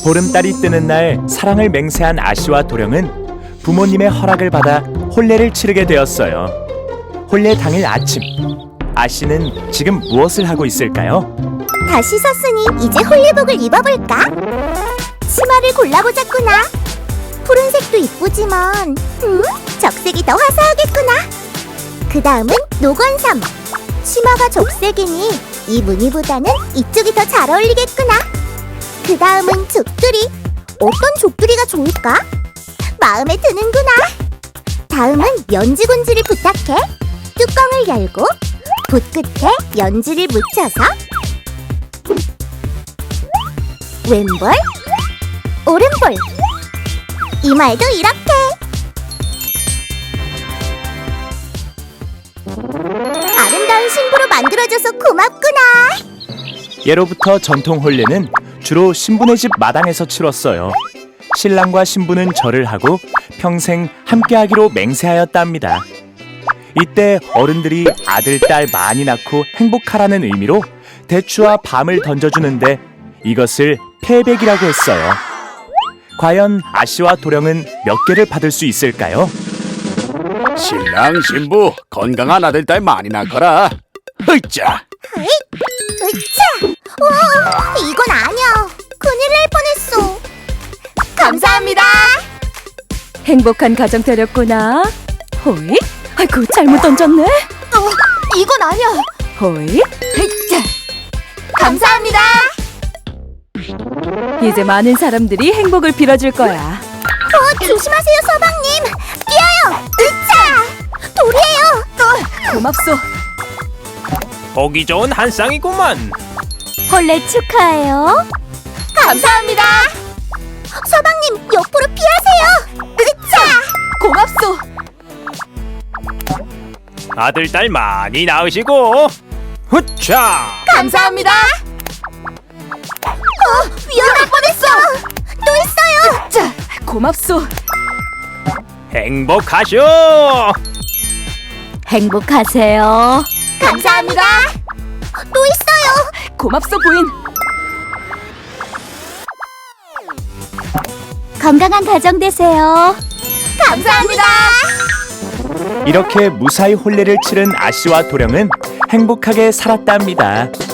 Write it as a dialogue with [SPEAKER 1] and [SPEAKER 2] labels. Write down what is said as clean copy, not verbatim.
[SPEAKER 1] 보름달이 뜨는 날 사랑을 맹세한 아씨와 도령은 부모님의 허락을 받아 혼례를 치르게 되었어요. 혼례 당일 아침, 아씨는 지금 무엇을 하고 있을까요?
[SPEAKER 2] 다 씻었으니 이제 홀리복을 입어볼까? 치마를 골라보자꾸나. 푸른색도 이쁘지만 적색이 더 화사하겠구나. 그 다음은 노건삼. 치마가 적색이니 이 무늬보다는 이쪽이 더 잘 어울리겠구나. 그 다음은 족두리. 어떤 족두리가 좋을까? 마음에 드는구나. 다음은 연지곤지를 부탁해. 뚜껑을 열고 붓 끝에 연지를 묻혀서 왼볼, 오른볼. 이마에도 이렇게. 아름다운 신부로 만들어줘서 고맙구나.
[SPEAKER 1] 예로부터 전통 혼례는 주로 신부네 집 마당에서 치렀어요. 신랑과 신부는 절을 하고 평생 함께하기로 맹세하였답니다. 이때 어른들이 아들, 딸 많이 낳고 행복하라는 의미로 대추와 밤을 던져주는데 이것을 패백이라고 했어요. 과연 아씨와 도령은 몇 개를 받을 수 있을까요?
[SPEAKER 3] 신랑 신부 건강한 아들 딸 많이 낳거라. 으쌰.
[SPEAKER 2] 으차! 와, 이건 아니야. 큰일 날 뻔했어. 감사합니다.
[SPEAKER 4] 행복한 가정 되렸구나. 호이? 아이고 잘못 던졌네.
[SPEAKER 2] 이건 아니야.
[SPEAKER 4] 호이?
[SPEAKER 2] 으차! 감사합니다.
[SPEAKER 4] 이제 많은 사람들이 행복을 빌어줄 거야.
[SPEAKER 2] 조심하세요, 서방님. 뛰어요. 으차! 돌이에요.
[SPEAKER 4] 고맙소.
[SPEAKER 1] 보기 좋은 한 쌍이구만.
[SPEAKER 4] 혼례 축하해요.
[SPEAKER 2] 감사합니다. 서방님, 옆으로 피하세요. 으차!
[SPEAKER 4] 고맙소.
[SPEAKER 1] 아들, 딸 많이 낳으시고 후차!
[SPEAKER 2] 감사합니다. 위험할 뻔했어. 또 있어요.
[SPEAKER 4] 자, 고맙소.
[SPEAKER 1] 행복하쇼!
[SPEAKER 4] 행복하세요.
[SPEAKER 2] 감사합니다. 또 있어요.
[SPEAKER 4] 고맙소 부인.
[SPEAKER 2] 건강한 가정 되세요. 감사합니다.
[SPEAKER 1] 이렇게 무사히 혼례를 치른 아씨와 도령은 행복하게 살았답니다.